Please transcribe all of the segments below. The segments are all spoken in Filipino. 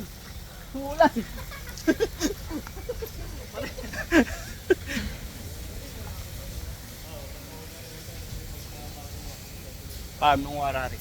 Umuulan. Umuulan. Paano ng warari?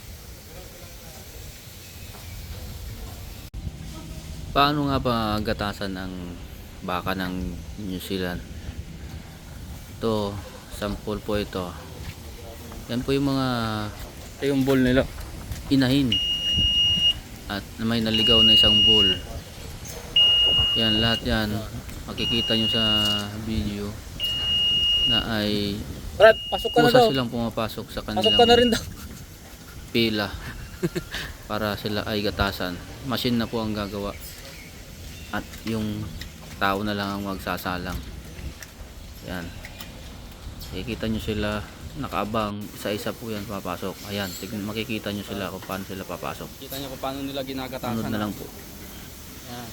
Paano nga ba gatasan ang baka ng New Zealand? Ito, sample po ito. Yan po yung mga Ito yung bowl nila. inahin. At may naligaw na isang bull. Yan, lahat yan. Makikita nyo sa video na ay Brad, pasok ka na kusa daw. silang pumapasok sa Pasok ka na rin kanilang daw. pila para sila ay gatasan. Machine na po ang gagawa. At yung tao na lang ang magsasalang. Yan. Makikita nyo sila nakaabang, isa-isa po yan papasok. Ayan, makikita nyo sila kung paano sila papasok. Kita niyo kung paano nila ginagatasan. Sunod na lang po. Yan.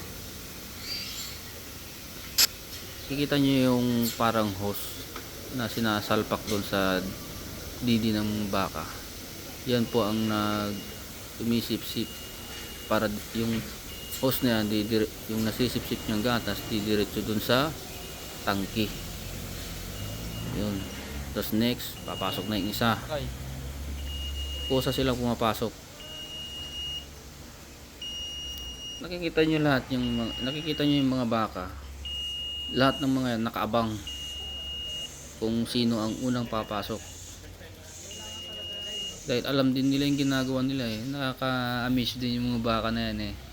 Makikita nyo yung parang hose na sinasalpak doon sa didi ng baka. Yan po ang tumisip-sip para yung hose na yan, yung nasisip-sip niyang gatas, didiretso doon sa tangki. Yun. Tapos next, papasok na yung isa. Okay. Kusa silang pumapasok. Nakikita nyo lahat nakikita nyo yung mga baka. Lahat ng mga yan nakaabang kung sino ang unang papasok. Dahil alam din nila yung ginagawa nila eh. Nakaka-amaze din yung mga baka na yan eh.